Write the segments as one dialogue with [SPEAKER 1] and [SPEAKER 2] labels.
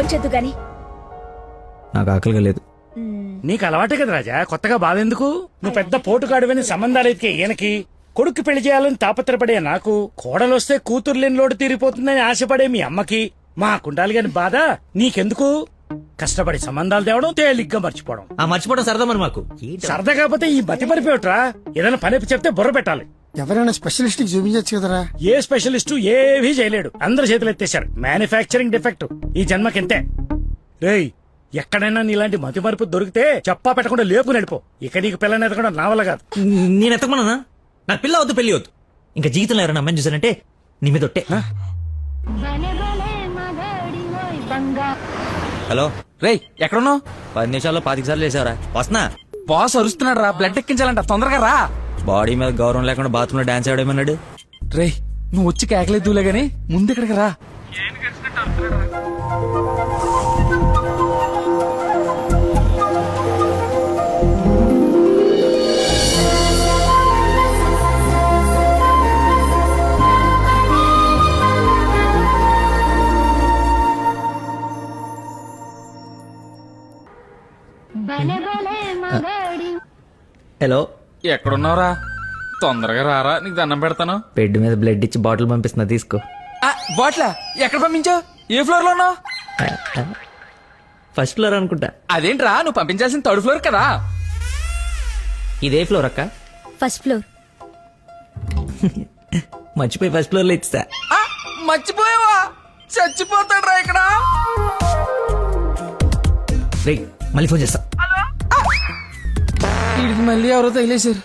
[SPEAKER 1] భోంచొద్దు గాని.
[SPEAKER 2] నాకు ఆకలిగా లేదు.
[SPEAKER 3] నీకు అలవాటే కదా రాజా, కొత్తగా బాధెందుకు? నువ్వు పెద్ద పోటుగాడువని సంబంధాలు ఎతికే ఈయనకి, కొడుకు పెళ్లి చేయాలని తాపత్రపడే నాకు, కోడలొస్తే కూతురు లేని లోటు తీరిపోతుందని ఆశపడే మీ అమ్మకి, మా కుండాలి గాని బాధ నీకెందుకు? కష్టపడి సంబంధాలు తేవడం, తేలిగ్గా మర్చిపోవడం.
[SPEAKER 2] మర్చిపోవడం సరదా మరి మాకు.
[SPEAKER 3] సరదా కాకపోతే ఈ బతి పరిపోయట్రా. ఏదైనా పని చెప్తే బుర్ర పెట్టాలి.
[SPEAKER 4] ఎవరైనా స్పెషలిస్ట్ కి చూపించచ్చు కదరా.
[SPEAKER 3] ఏ స్పెషలిస్టు ఏవీ చేయలేడు, అందరు చేతులు ఎత్తేశారు. మ్యానుఫ్యాక్చరింగ్ డిఫెక్ట్ ఈ జన్మకింతే. రేయ్, ఎక్కడైనా నీలాంటి మతి మరుపు దొరికితే చెప్పా పెట్టకుండా లేపు నడిపో. ఇక నీకు పిల్లని ఎదగడం నా వల్ల కాదు.
[SPEAKER 2] నేను ఎత్తకమన్నా? నా పిల్ల వద్దు, పెళ్లి వద్దు. ఇంకా జీవితంలో ఎవరైనా అమ్మాయిని చూసానంటే నీ మీద ఒట్టే. హలో
[SPEAKER 5] రేయ్, ఎక్కడున్నావు?
[SPEAKER 2] 10 నిమిషాల్లో 25 సార్లు వేసావరా? వస్తున్నా.
[SPEAKER 5] బాస్ అరుస్తున్నాడు రా, బ్లడ్ ఎక్కించాలంట, తొందరగా రా.
[SPEAKER 2] బాడీ మీద గౌరవం లేకుండా బాత్రూమ్ లో డాన్స్ ఆడేమన్నాడు.
[SPEAKER 5] రేయ్, నువ్వు వచ్చి కేకలేదులే గానీ ముందు ఇక్కడికి రా.
[SPEAKER 2] హలో,
[SPEAKER 5] ఎక్కడున్నావురా? తొందరగా రారా, నీకు దండం పెడతాను.
[SPEAKER 2] బెడ్ మీద బ్లడ్ ఇచ్చి బాటిల్ పంపిస్తున్నా, తీసుకో.
[SPEAKER 5] బాట్లా ఎక్కడ పంపించావు? ఏ ఫ్లోర్ లో ఉన్నావు?
[SPEAKER 2] ఫస్ట్ ఫ్లోర్ అనుకుంటా.
[SPEAKER 5] అదేంట్రా, నువ్వు పంపించాల్సిన 3rd ఫ్లోర్ కదా.
[SPEAKER 2] ఇదే ఫ్లోర్ అక్క.
[SPEAKER 1] First floor.
[SPEAKER 2] మర్చిపోయి ఫస్ట్ ఫ్లోర్ లో ఇచ్చా.
[SPEAKER 5] మర్చిపోయావా? చచ్చిపోతాడు రా ఇక్కడ.
[SPEAKER 2] రే, మళ్ళీ ఫోన్ చేస్తా.
[SPEAKER 5] వీడికి మళ్ళీ ఎవరో తగిలేశారు.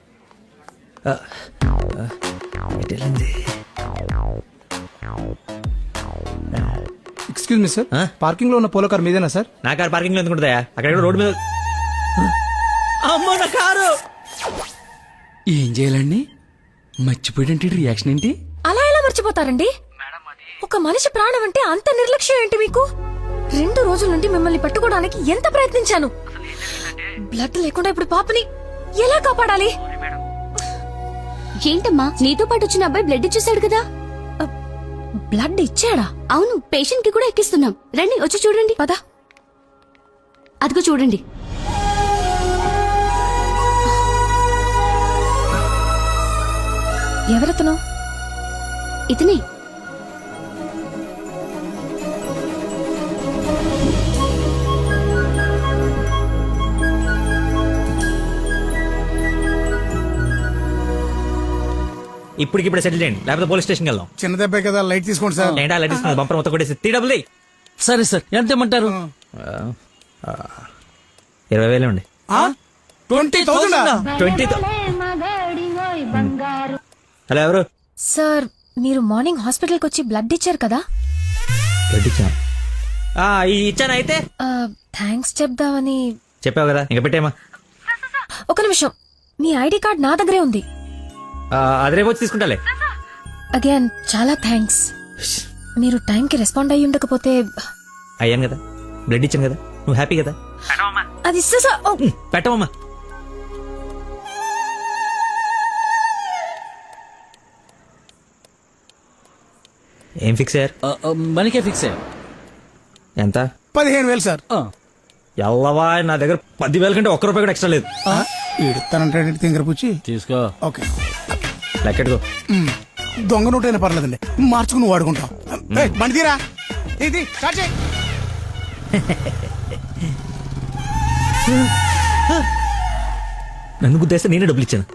[SPEAKER 4] ఎక్స్క్యూజ్ మీ సార్, పార్కింగ్ లో ఉన్న పోలో కార్ మీదేనా సార్?
[SPEAKER 2] నా కారు పార్కింగ్ లో ఎందుకుంటుందా? అక్కడ రోడ్డు మీద. అమ్మో, నా కారు.
[SPEAKER 5] ఏం చేయాలండి? మర్చిపోయాడంటే రియాక్షన్ ఏంటి?
[SPEAKER 1] అలా ఎలా మర్చిపోతారండి? ఒక మనిషి ప్రాణం అంటే అంత నిర్లక్ష్యం ఏంటి మీకు? 2 రోజుల నుండి మిమ్మల్ని పట్టుకోవడానికి ఎంత ప్రయత్నించాను. బ్లడ్ లేకుండా ఇప్పుడు పాపని ఎలా కాపాడాలి?
[SPEAKER 6] ఏంటమ్మా, నీతో పాటు వచ్చిన అబ్బాయి బ్లడ్ ఇచ్చేసాడు కదా.
[SPEAKER 1] బ్లడ్ ఇచ్చాడా?
[SPEAKER 6] అవును, పేషెంట్ కి కూడా ఎక్కిస్తున్నాం. రండి, వచ్చి చూడండి.
[SPEAKER 1] పద.
[SPEAKER 6] అదిగో చూడండి.
[SPEAKER 1] ఎవరతను?
[SPEAKER 6] ఇతనే.
[SPEAKER 2] ఇప్పటికిప్పుడు సెటిల్ చేయండి, లేకపోతే పోలీస్ స్టేషన్కి వెళ్దాం.
[SPEAKER 4] చిన్న దెబ్బే కదా, లైట్ తీసుకోండి సార్.
[SPEAKER 2] ఏంటా లైట్ తీసుకుని బంపర్ మొత్తం కొట్టేసి 3 డబ్బులు.
[SPEAKER 5] సరే సార్, ఎంత ఇమ్మంటారు?
[SPEAKER 2] 20,000 ఉండి.
[SPEAKER 4] 20,000?
[SPEAKER 2] 20,000. హలో, ఎవరు?
[SPEAKER 1] సార్, మీరు మార్నింగ్ హాస్పిటల్కి వచ్చి బ్లడ్ ఇచ్చారు కదా?
[SPEAKER 2] బ్లడ్ ఇచ్చాను. ఇచ్చాను. అయితే
[SPEAKER 1] థ్యాంక్స్ చెప్దామని.
[SPEAKER 2] చెప్పావు కదా, ఇంకా పెట్టేమా.
[SPEAKER 1] ఒక నిమిషం, మీ ఐడి కార్డ్ నా దగ్గరే ఉంది.
[SPEAKER 2] అది రేపు వచ్చి తీసుకుంటాలే.
[SPEAKER 1] అగైన్ చాలా థ్యాంక్స్. మీరు టైంకి రెస్పాండ్ అయ్యి ఉండకపోతే.
[SPEAKER 2] అయ్యాను కదా, బ్లడ్ ఇచ్చాను కదా, నువ్వు హ్యాపీ కదా.
[SPEAKER 1] అది
[SPEAKER 2] పెట్టమమ్మా. ఏం ఫిక్స్ అయ్యారు?
[SPEAKER 5] మనకే ఫిక్స్ అయ్యా.
[SPEAKER 2] ఎంత?
[SPEAKER 4] 15,000 సార్.
[SPEAKER 2] ఎల్లవా, నా దగ్గర 10,000 కంటే ₹1 కూడా ఎక్స్ట్రా లేదు.
[SPEAKER 4] ఇడతానంటే తింగర పుచ్చి
[SPEAKER 5] తీసుకో.
[SPEAKER 4] ఓకే,
[SPEAKER 2] లెక్కెట్టుకో.
[SPEAKER 4] దొంగ నోటైనా పర్లేదండి, మార్చుకుని వాడుకుంటాం. బండి తీరా, ఇది స్టార్ట్ చేయి.
[SPEAKER 2] నన్ను గుద్దేస్తే నేనే డబ్బులు ఇచ్చాను.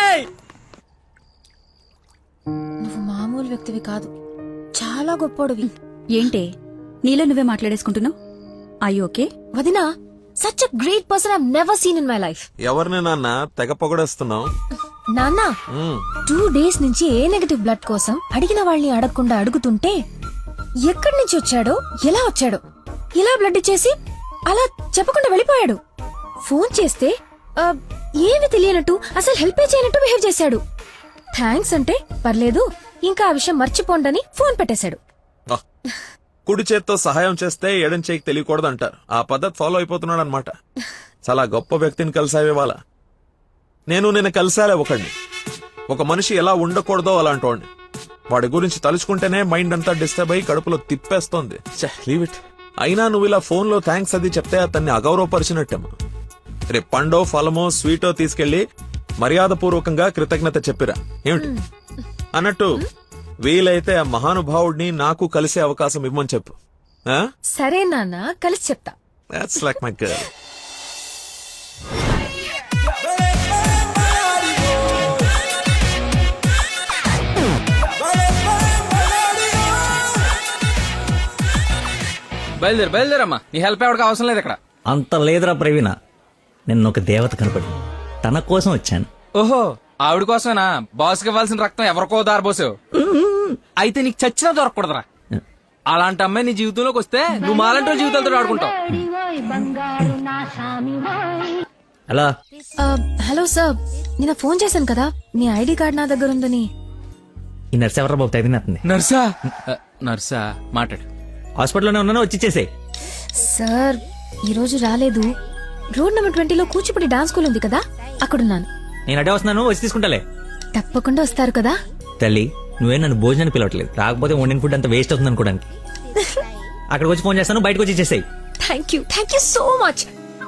[SPEAKER 1] నువ్వు మామూలు వ్యక్తివి కాదు, చాలా గొప్పోడివి.
[SPEAKER 6] ఏంటే నీలో నువ్వే మాట్లాడేసుకుంటున్నావు? I okay?
[SPEAKER 1] వదినా, such a great person I've never seen in my life.
[SPEAKER 7] ఎవరిని నాన్న తెగ పొగడేస్తున్నావు?
[SPEAKER 1] నాన్న, 2 days నుంచి ఏ నెగటివ్ బ్లడ్ కోసం అడిగిన వాళ్ళని అడగకుండా అడుగుతుంటే ఎక్కడి నుంచి వచ్చాడో, ఎలా వచ్చాడో, ఇలా బ్లడ్ ఇచ్చేసి అలా చెప్పకుండా వెళ్ళిపోయాడు. ఫోన్ చేస్తే ఏమి తెలియనట్టు, అసలు హెల్ప్ చేయనట్టు బిహేవ్ చేశాడు. థ్యాంక్స్ అంటే పర్లేదు, ఇంకా ఆ విషయం మర్చిపోండని ఫోన్ పెట్టేశాడు.
[SPEAKER 7] కుడి చేత్తో సహాయం చేస్తే ఎడం చేయికి తెలియకూడదు అంటారు. ఆ పద్ధతి ఫాలో అయిపోతున్నాడు అనమాట. చాలా గొప్ప వ్యక్తిని కలిసావే వాళ్ళ. నేను కలిసాలే ఒకడిని. ఒక మనిషి ఎలా ఉండకూడదో అలాంటి వాడిని. వాడి గురించి తలుచుకుంటేనే మైండ్ అంతా డిస్టర్బ్ అయ్యి కడుపులో తిప్పేస్తోంది. Leave it. అయినా నువ్వు ఇలా ఫోన్ లో థ్యాంక్స్ అది చెప్తే అతన్ని అగౌరవపరిచినట్టేమో. రేపు పండో ఫలమో స్వీటో తీసుకెళ్లి మర్యాదపూర్వకంగా కృతజ్ఞత చెప్పిరా ఏమిటి? అన్నట్టు వీలైతే ఆ మహానుభావుడిని నాకు కలిసే అవకాశం ఇవ్వమని చెప్పు.
[SPEAKER 1] సరే నాన్న, కలిసి చెప్తా.
[SPEAKER 7] That's like my girl.
[SPEAKER 5] బయలుదేరమ్మా, నీ హెల్ప్ ఎవరికి అవసరం లేదు ఇక్కడ.
[SPEAKER 2] అంత లేదురా ప్రవీణ, నిన్న ఒక దేవత కనపడి తన కోసం వచ్చాను.
[SPEAKER 5] ఓహో, ఆవిడ కోసమేనా బాస్కి ఇవ్వాల్సిన రక్తం ఎవరికో దారబోసావు? అయితే నీకు చచ్చినా దొరకకూడదురా. అలాంటి అమ్మాయి నీ జీవితంలోకి వస్తే నువ్వు మాలంటి వాళ్ళ జీవితాలతో ఆడుకుంటావు.
[SPEAKER 2] అలా
[SPEAKER 1] హలో సార్, నిన్న ఫోన్ చేశాను కదా, మీ ఐడి కార్డ్ నా దగ్గర ఉందని.
[SPEAKER 2] ఈ నర్స్ ఎవరా బాబు తగినట్టుంది?
[SPEAKER 5] నర్సా? నర్సా మాట్లాడు.
[SPEAKER 2] హాస్పిటల్లోనే ఉన్నాను, వచ్చి ఇచ్చేసేయ్.
[SPEAKER 1] సార్ ఈ రోజు రాలేదు. రోడ్ నెంబర్ 20లో కూచిపూడి డాన్స్ స్కూల్ ఉంది కదా, అక్కడున్నాను.
[SPEAKER 2] నేను అడే వస్తున్నాను, వచ్చి తీసుకుంటాలే.
[SPEAKER 1] తప్పకుండా వస్తారు కదా.
[SPEAKER 2] తల్లి, నువ్వే నన్ను భోజనానికి పిలవట్లేదు, రాకపోతే వండిన ఫుడ్ అంత వేస్ట్ అవుతుంది అనుకోడానికి. అక్కడికి వచ్చి ఫోన్ చేస్తాను, బయటకు వచ్చి ఇచ్చేసేయ్.
[SPEAKER 1] Thank you so much.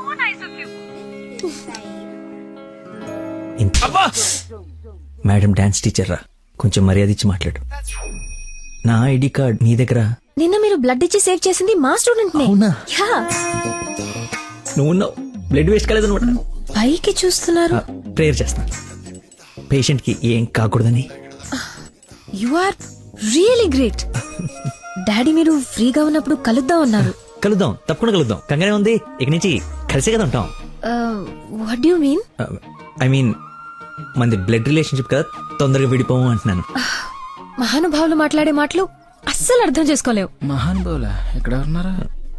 [SPEAKER 2] Madam dance teacher రా, కొంచెం మర్యాద ఇచ్చి మాట్లాడు. నా ఐడి కార్డ్ నీ దగ్గర.
[SPEAKER 1] నిన్న మీరు బ్లడ్ ఇచ్చి సేవ్ చేసింది మా స్టూడెంట్ నే.
[SPEAKER 2] అవునా?
[SPEAKER 1] యా.
[SPEAKER 2] నువ్వు బ్లడ్ వేస్ట్ కాలేదు అనమాట.
[SPEAKER 1] పైకి చూస్తున్నారు.
[SPEAKER 2] ప్రేయర్ చేస్తాను పేషెంట్ కి ఏం కాకూడదని.
[SPEAKER 1] You are really great. Daddy మీరు ఫ్రీగా ఉన్నప్పుడు కలుద్దాం అన్నారు.
[SPEAKER 2] కలుద్దాం, తప్పకుండా కలుద్దాం. కంగానే ఉంది, ఇక నుంచి కలిసే కదా ఉంటాం.
[SPEAKER 1] What you mean?
[SPEAKER 2] I mean మనది బ్లడ్ రిలేషన్షిప్ కదా, తొందరగా విడిపోము అంటున్నాను.
[SPEAKER 1] మహానుభావులు మాట్లాడే మాటలు అస్సలు అర్థం చేసుకోలేవు.
[SPEAKER 5] మహానుభావులా? ఎక్కడ ఉన్నారా?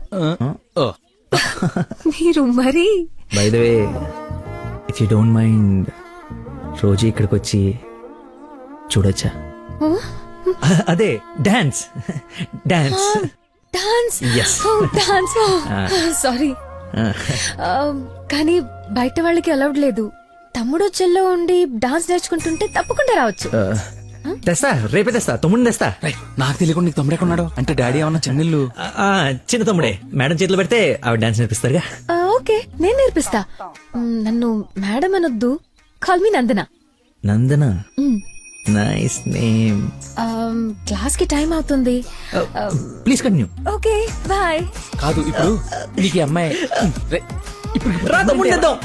[SPEAKER 1] మీరు మరి.
[SPEAKER 2] By the way, if you don't mind, రోజు ఇక్కడికి వచ్చి చూడొచ్చా? అదే dance dance
[SPEAKER 1] dance.
[SPEAKER 2] Yes.
[SPEAKER 1] Dance. Sorry, కానీ బయట వాళ్ళకి అలౌడ్ లేదు. తమ్ముడు చెల్లో ఉండి డాన్స్ నేర్చుకుంటుంటే తప్పకుండా రావచ్చు.
[SPEAKER 2] తెస్తా, రేపే తెస్తా, తమ్ముడిని తెస్తా.
[SPEAKER 5] నాకు తెలియకుండా నీకు తమ్ముడు ఎక్కడున్నాడు? అంటే డాడీ ఏమన్నా చెన్నెళ్ళు?
[SPEAKER 2] చిన్న తమ్ముడే, మేడం చేతిలో పెడితే ఆవిడ డాన్స్ నేర్పిస్తారుగా.
[SPEAKER 1] ఓకే, నేను నేర్పిస్తా. నన్ను మేడం అనొద్దు, call me Nandana.
[SPEAKER 2] Nandana, nice name.
[SPEAKER 1] Class కి టైం అవుతుంది.
[SPEAKER 2] Please continue.
[SPEAKER 1] Okay, bye.
[SPEAKER 5] కాదు, ఇప్పుడు నీకు ఈ అమ్మాయి
[SPEAKER 2] రా తమ్ముడిని తెద్దాం.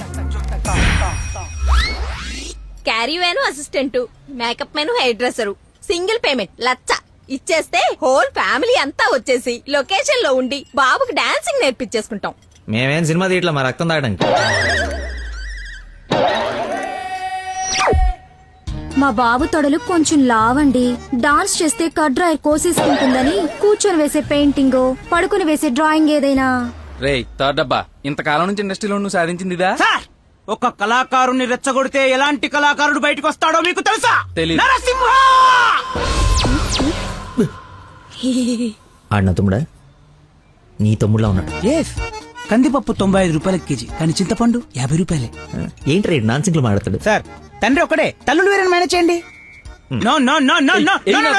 [SPEAKER 8] Caravan assistant, makeup man hair dresser, single payment 1,00,000 ఇచ్చేస్తే హోల్ ఫ్యామిలీ అంతా వచ్చేసి లొకేషన్ లో ఉండి బాబుకి డాన్సింగ్ నేర్పించేసుకుంటాం.
[SPEAKER 2] మేమేం సినిమా తీయట్లా, మా రక్తం తాగడానికి.
[SPEAKER 6] మా బాబు తొడలు కొంచెం లావండి. డాన్స్ చేస్తే కడ్రాయర్ కోసేసుకుంటుందని కూర్చొని వేసే పెయింటింగ్, పడుకుని వేసే డ్రాయింగ్ ఏదైనా.
[SPEAKER 5] రే థర్డ్ డబ్బా, ఇంతకాలం నుంచి ఇండస్ట్రీలో నువ్వు సాధించింది ఇదా?
[SPEAKER 4] సార్, ఒక కళాకారుని రెచ్చగొడితే ఎలాంటి కళాకారుడు బయటకు వస్తాడో మీకు తెలుసా?
[SPEAKER 5] తెలీదు.
[SPEAKER 4] నరసింహ!
[SPEAKER 2] ఆడిన తమ్ముడా? నీ తమ్ముడులా ఉన్నాడు.
[SPEAKER 4] కందిపప్పు 95 రూపాయల కేజీ, కానీ చింతపండు 50 రూపాయలే.
[SPEAKER 2] ఏంటి రేట్ నాన్సింగ్ లో మాట్లాడతాడు?
[SPEAKER 4] సార్, తండ్రి ఒకడే, తల్లులు వేరే మేనేజ్ చేయండి. No no no no no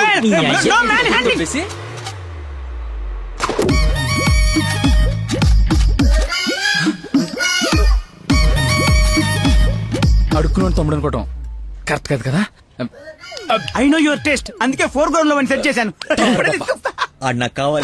[SPEAKER 5] అడుక్కున్నాడు తమ్ముడు అనుకోవటం కరెక్ట్ కాదు కదా.
[SPEAKER 4] ఐ నో యువర్ టేస్ట్, అందుకే 4 గ్రౌండ్ లో సెట్ చేశాను.
[SPEAKER 2] ఆడు నాకు కావాలి.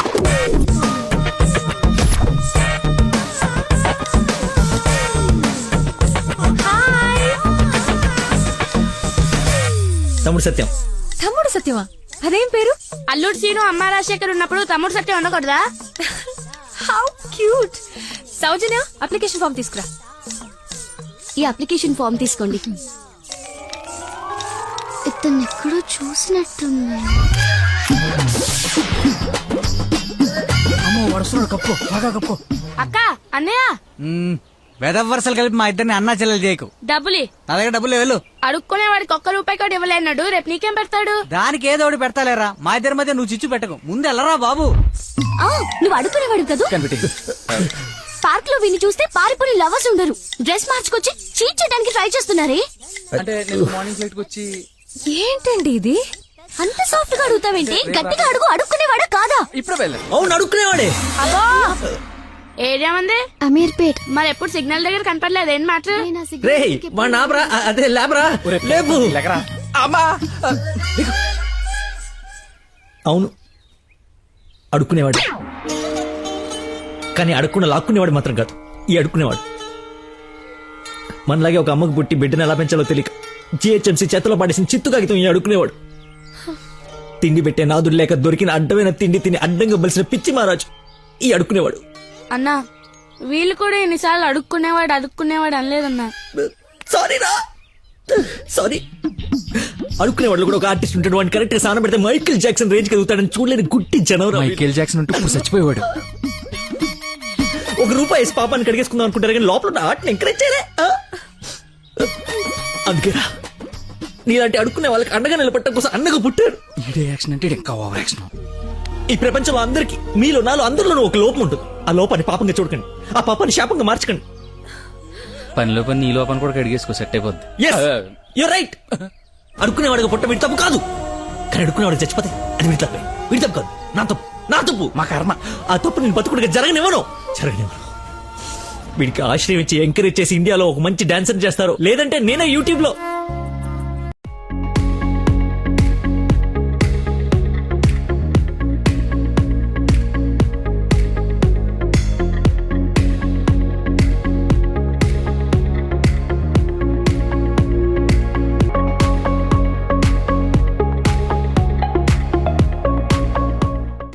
[SPEAKER 2] తమ్ముడు సత్యం.
[SPEAKER 1] తమ్ముడు సత్యమా? అదేం పేరు?
[SPEAKER 9] అల్లుడు సీను అమ్మ రాజశేఖర్ ఉన్నప్పుడు తమ్ముడు సత్యం ఉండకూడదా?
[SPEAKER 1] How cute. Soujanya, application form తీసుకురా.
[SPEAKER 6] ఈ అప్లికేషన్ ఫామ్ తీసుకోండి. ఇతను ఎక్కడో చూసినట్టుంది.
[SPEAKER 4] అమ్మో, వడుస్తున్నాడు. కప్పు బాగా కప్పు.
[SPEAKER 9] అక్క, అన్నయ్య,
[SPEAKER 4] వెదవ వరుసలు కలిపి మా ఇద్దరిని అన్నా చెల్లెలు చేయకు.
[SPEAKER 9] డబ్బులి
[SPEAKER 4] నా దగ్గర డబ్బులు వెళ్ళు.
[SPEAKER 9] అడుక్కునే వాడికి ₹1 కూడా ఇవ్వలేన్నాడు. రేపు నీకేం పెడతాడు?
[SPEAKER 4] దానికి ఏదో ఒకటి పెడతాలేరా, మా ఇద్దరి మధ్య నువ్వు చిచ్చు పెట్టకు. ముందు వెళ్ళరా బాబు.
[SPEAKER 6] నువ్వు అడుగునేవాడు కదా. పార్క్ లో విని చూస్తే పారిపోయిన లవర్స్ ఉండరు. డ్రెస్ మార్చుకొచ్చి చీట్ చేయడానికి ట్రై చేస్తున్నారే.
[SPEAKER 5] అంటే నేను మార్నింగ్ ఫ్లైట్ కి వచ్చి.
[SPEAKER 1] ఏంటండి ఇది? అంత సాఫ్ట్ గా అడుగుతావేంటి? గట్టిగా అడుగు. అడుక్కునేవాడా కాదా?
[SPEAKER 5] ఇప్పుడు వెళ్ళండి.
[SPEAKER 2] అవును అడుక్కునేవాడే.
[SPEAKER 9] అబ్బో ఏరియా మంది
[SPEAKER 6] అమీర్పేట్.
[SPEAKER 9] మరి ఎప్పుడు సిగ్నల్ దగ్గర కనపడలేదు ఏం మ్యాటర్?
[SPEAKER 2] రే వాడు నాబ్రా అదే లేబరా లేపు.
[SPEAKER 5] అమ్మా
[SPEAKER 2] అవును అడుక్కునేవాడు, కానీ అడుక్కున్న లాక్కునేవాడు మాత్రం కాదు ఈ అడుక్కునేవాడు. మనలాగే ఒక అమ్మకు పుట్టి బిడ్డను ఎలా పెంచాలో తెలియక జిహెచ్ఎంసీ చేతిలో పడేసిన చిత్తు కాగితం ఈ అడుక్కునేవాడు. తిండి పెట్టే నాదుడు లేక దొరికిన అడ్డమైన తిండి తిని అడ్డంగా బలిసిన పిచ్చి మహారాజు ఈ అడుక్కునేవాడు.
[SPEAKER 9] అన్నా వీళ్ళు కూడా ఎన్నిసార్లు అడుక్కునేవాడు అనలేదన్నా.
[SPEAKER 2] సారీ రా సారీ. అడుక్కునేవాడు కూడా ఒక ఆర్టిస్ట్ ఉంటాడు, వాడిని కరెక్ట్ గా సాన పెడితే మైకేల్ జాక్సన్ రేంజ్ ఎదుగుతాడని చూడలేని గుట్టి జనవరం.
[SPEAKER 5] మైకేల్ జాక్సన్ ఉంటూ ఇప్పుడు చచ్చిపోయేవాడు.
[SPEAKER 2] ₹1 వేసి పాపాన్ని కడిగేసుకుందాం అనుకుంటారు కానీ లోపల ఉన్న ఆర్ట్ని ఎంకరేజ్ చేయలే. అందుకేరా నీలాంటి అడుక్కునే వాళ్ళకి అండగా నిలబట్టడం కోసం అన్నగా పుట్టారు.
[SPEAKER 5] ఈడే యాక్షన్ అంటే ఇంకా ఓవర్ యాక్షన్.
[SPEAKER 2] ఈ ప్రపంచంలో అందరికి మీలో నాలో అందరిలోనూ ఒక లోపం ఉంటుంది. ఆ లోపాన్ని పాపంగా చూడకండి, ఆ పాపాన్ని శాపంగా మార్చకండి.
[SPEAKER 5] పనిలో పని నీ లోపల కూడా కడిగేసుకో సెట్ అయిపోద్ది.
[SPEAKER 2] You're right. అడుక్కునేవాడిగా పుట్ట వీడి తప్పు కాదు, కానీ అడుక్కునేవాడు చచ్చిపోతే అది వీడి తప్పే. వీడి తప్పు కాదు, నా తప్పు
[SPEAKER 5] మా కర్మ.
[SPEAKER 2] ఆ తప్పు నేను బతుకుడిగా జరగనివ్వను. వీడికి ఆశ్రయం ఇచ్చి ఎంకరేజ్ చేసి ఇండియాలో ఒక మంచి డాన్సర్ చేస్తారు, లేదంటే నేనే యూట్యూబ్ లో